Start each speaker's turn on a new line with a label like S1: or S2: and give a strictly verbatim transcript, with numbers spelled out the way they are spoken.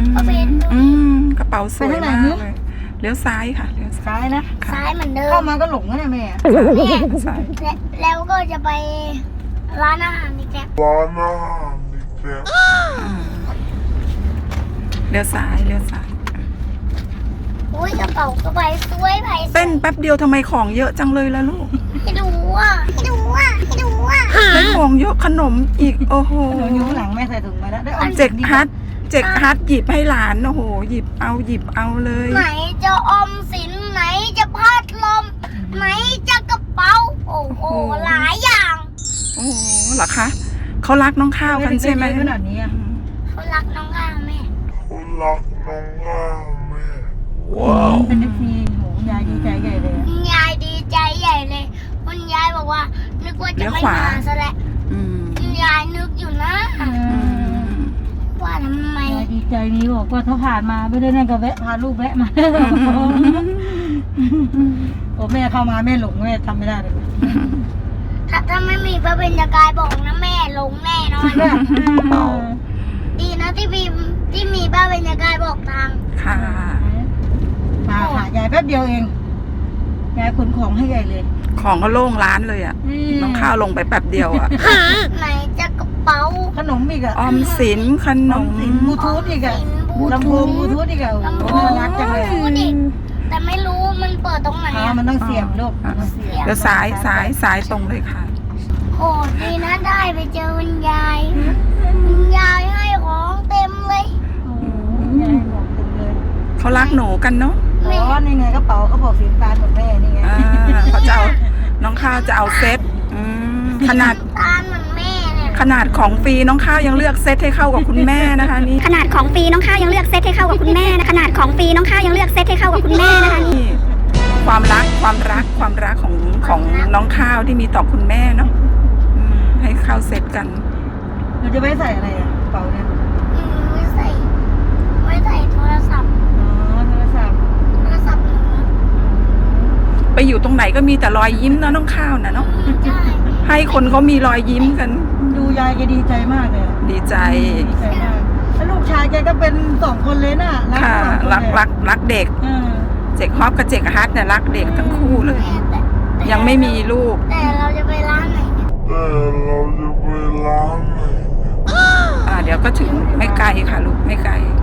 S1: ก็เป็น
S2: อืมกระเป๋าสวยมากเลยเลี้ยวซ้ายค่ะเลี้ยวซ้าย
S3: ซ้ายนะ
S1: ซ้ายเหมือนเดิม
S3: เข้ามาก็หลงแล้วเนี่ยแม่
S2: ซ้าย
S1: และแล้วก็จะไปร้านอาหารอีกแล้ว
S2: เลี้ยวซ้ายเลี้ยวซ้าย
S1: อุ้ยกระเป๋ากระใบสวยไผ่
S2: เต้นแป๊บเดียวทำไมของเยอะจังเลยล่ะลูก
S1: ให้ดูอ่ะให้ดูอ่ะให้ดูอ่ะ
S2: ได้ของเยอะขนมอีกโอ้โห
S3: หนูอยู่ข้างหลังแม่ใส่ถุงมาแล้วได้ออม
S2: เจ็กฮัทเจ็กฮัทหยิบให้หลานโอ้โหหยิบเอาหยิบเอาเลย
S1: ไหนจะออมสินไหนจะพัดลมไหนจะกระเป๋าโอ้โหหลายอย่าง
S2: โอ้โหเหรอคะเขารักน้องข้าวกันใช่ไหม
S3: ขนาดนี้อะ
S1: เขารักน้องข้าวแม่
S2: ว้าว
S3: เป็นเอฟซีโหยายดีใจใหญ่เลย
S1: คุณยายดีใจใหญ่เลยคุณยายบอกว่านึกว่าจะไม่มาซะแล้ว
S2: อืม
S1: คุณยายนึกอยู่นะ ว่าทำไม
S3: ยายดีใจนี้บอกว่าถ้าผ่านมาไม่ได้นั่นก็แวะพาลูกแวะมาโอ้แม่เข้ามาแม่หลงแม่ทำไม่ได้เลย
S1: ถ้าถ้าไม่มีพระเบญจกายบอกนะแม่หลงแน่นอน ดีนะที่มีที่มีพระเบญจกายบอกทาง
S2: ค่ะ
S3: มาหายายแป๊บเดียวเองยายขนของให้ใหญ่เลย
S2: ของก็โล่งร้านเลยอ่ะน้องข้าวลงไปแป๊บเดียวอ่ะ
S1: ไหนจะกระเป๋า
S3: ขนมอีกอะ
S2: ออมสินขน
S3: ออ
S2: ม
S3: มสินบลูทูธอีกอะลำโพงบลูทูธอีกอะ
S1: ลำโพ
S3: โอ้
S1: ง
S3: น่ารักจังเลย
S1: ดูดิแต่ไม่รู้มันเปิดตรงไหน
S3: อ๋อ
S1: อะ
S3: มันต้องเสียบลูก
S2: อ่ะ
S3: มันเสียบ
S2: เดี๋ยวซ้ายซ้ายซ้ายตรงเลยค่ะ
S1: โอ้ดีนะได้ไปเจอคุณยายคุณยายให้ของเต็มเลย
S3: โอ้ยายบอกเต็มเลย
S2: เขารักหนูกันเนาะ
S3: อ๋อนี่ไงกระเป๋าเขาบอกสีฟ้าหมดแม่นี่ไง
S2: อ่าเขาจะเอาน้องข้าวจะเอาเซตอืมขนาด
S1: ตาลเหมือนแม่เนี่ย
S2: ขนาดของฟรีน้องข้าวยังเลือกเซตให้เข้ากับคุณแม่นะคะนี่
S4: ขนาดของฟรีน้องข้าวยังเลือกเซตให้เข้ากับคุณแม่นะขนาดของฟรีน้องข้าวยังเลือกเซตให้เข้ากับคุณแม่นะคะนี่
S2: นี่ความรักความรักความรักของของน้องข้าวที่มีต่อคุณแม่เนาะอืมให้เข้าเซตกัน
S3: เราจะไม่ใส่อะไรอะกระเป๋าเนี่ย
S1: อืมไม่ใส่ไม่ใส่โทรศัพท์
S3: อ๋อโทรศัพท์
S1: โทรศัพท์หนู
S2: ไปอยู่ตรงไหนก็มีแต่รอยยิ้มนะน้องข้าวนะเนาะ
S1: ใช่
S2: ให้คนเขามีรอยยิ้มกัน
S3: ดูยายแกดีใจมากเลยอะ
S2: ดีใจ
S3: ดีใจมากแล้วลูกชายแกก็เป็นสองคนเลยน่ะรัก
S2: ค่ะ
S3: สองคน
S2: รัก
S3: เลย
S2: รักรักเด็ก
S3: เออ
S2: เจกฮอปกับเจกฮัทเนี่ยรักเด็กทั้งคู่เลย
S1: แต่แต่
S2: ยังไม่มีลูก
S1: แต่เราจะไปร้านไหนเนี่ย
S2: อ่าเดี๋ยวก็ถึงไม่ไกลค่ะลูกไม่ไกล